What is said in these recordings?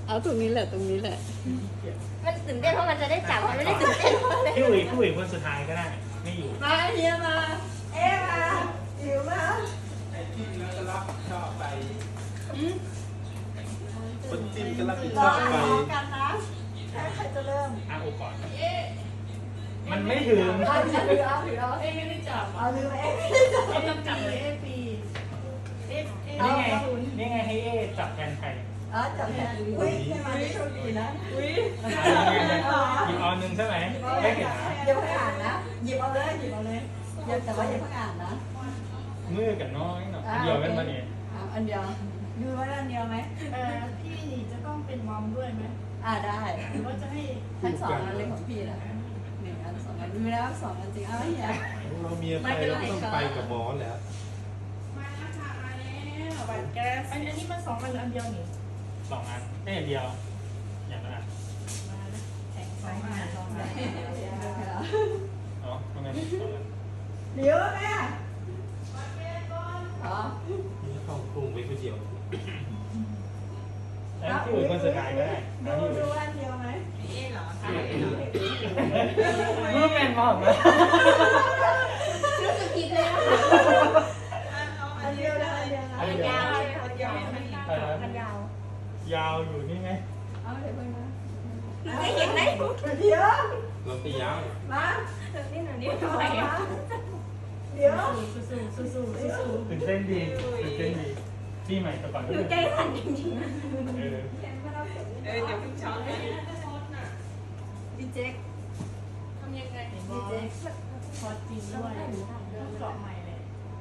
เอาตรงนี้แหละตรงนี้แหละมันตื่นเต้นเพราะมันจะได้จับมันไม่ได้ตื่นเต้นเพราะอะไรพี่อุ๋ยคนสุดท้ายก็ได้ไม่อยู่มาเฮียมาเอ๊มาหิวมาไอ้ที่แล้วก็รับผิดชอบไปคนจิ้มก็รับผิดชอบไปกันนะใครจะเริ่มอาโอก่อนมันไม่ถึงเอาถือเอาเอ้ไม่ได้จับเอาลืมเอ๊เอ้ต้องจับเลยเอ้ปีเอ๊เอ๊นี่ไงให้เอจับแทนใครจับแทนอุ้ยให้มาโชคดีนะอุ้ยหยิบเอาหนึ่งใช่ไหมไม่เห็นนะอย่าเพิ่งอ่านนะหยิบเอาเลยหยิบเอาเลยอย่าแต่ว่าอย่าเพิ่งอ่านนะมือกับน้อยเนาะเดียวกันมาเนี่ยอันเดียวดูว่าอันเดียวไหมพี่นี่จะต้องเป็นมอมด้วยไหมได้หรือว่าจะให้ทั้งสองอันเลยของพี่นะ1 อัน 2 อันมีแล้ว2 อันจริงเอาไม่อย่าเราเมียไปเราต้องไปกับหมอแล้วมาแล้วค่ะมาแล้วบัตรแก๊สอันนี้มัน2 อันหรืออันเดียวนี่ 2 อันได้อย่างเดียวอย่างละอันมาแล้วแข่ง2 อัน2 อันเนาะทำไม2 อันเดี๋ยวแม่อ๋อนี่เข้ากรุงไปคนเดียวแล้วพี่อุ๋ยคนสุดท้ายก็ได้ดูอันเดียวไหมมือเป็นมากเลยรู้สึกผิดเลยนะคะอันเดียวนะอันเดียวนะมันยาวอันเดียวมันยาวยาวอยู่นี่ไงเอาเดี๋ยวเพิ่งนะไม่เห็นไหมเดี๋ยวเราไปยาวมานี่หนูนี่ทำไมอ่ะเดี๋ยวสู้ๆสู้ๆสู้ๆตื่นเต้นดีตื่นเต้นดีพี่ใหม่แต่ก่อนหนูใจสั่นจริงๆนะเออเดี๋ยวเพิ่งช้อนพี่เจ๊กทำยังไงเห็นบอลพอจริงด้วยเกาะใหม่เลย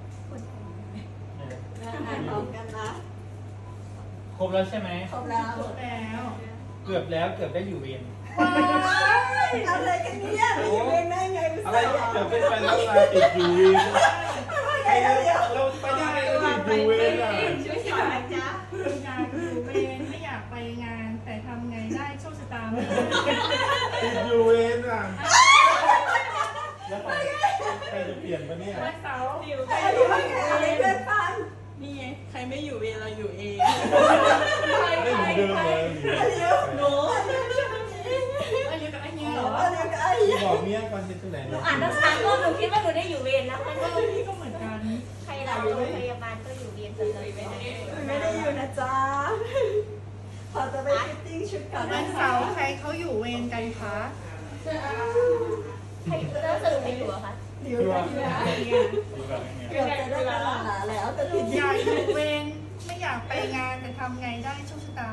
อ่านพร้อมกันนะครบแล้วใช่ไหมครบแล้วจบแล้วเกือบแล้วเกือบได้อยู่เวรอะไรกันเนี่ยไม่อยู่เองได้ไงอะไรจะเป็นไปแล้วลาติดอยู่เองเราไปได้เราติดอยู่เองอ่ะช่วยสอนนะจ๊ะงานอยู่เวรไม่อยากไปงาน แต่ทำไงได้โชคชะตาไม่ติดอยู่เองอ่ะแล้วใครจะเปลี่ยนปะเนี่ยวันเสาร์อยู่ใครอยู่บ้างอะไรเพื่อนฟังนี่ไงใครไม่อยู่เวรเราอยู่เองไม่เหมือนเดิมเลยเดี๋ยวหนูอายุกับอันนี้เหรอเดี๋ยวไอ้บอกเมียก่อนจะที่ไหนหนูอ่านตั้ง3 รอบหนูคิดว่าหนูได้อยู่เวรนะมันก็พี่ก็เหมือนกันใครเราโรงพยาบาลก็อยู่เวรกันเลยไปไหนไม่ได้อยู่นะจ๊ะพอจะไปฟิตติ้งชุดก่อนวันเสาร์ใครเขาอยู่เวรกันคะใครแล้วสรุปใครอยู่อะคะเดี๋ยวนะอยู่แบบนี้เกือบจะได้ตลาดแล้วแต่ผิดอยากอยู่เวรไม่อยากไปงานแต่ทำไงได้โชคชะตา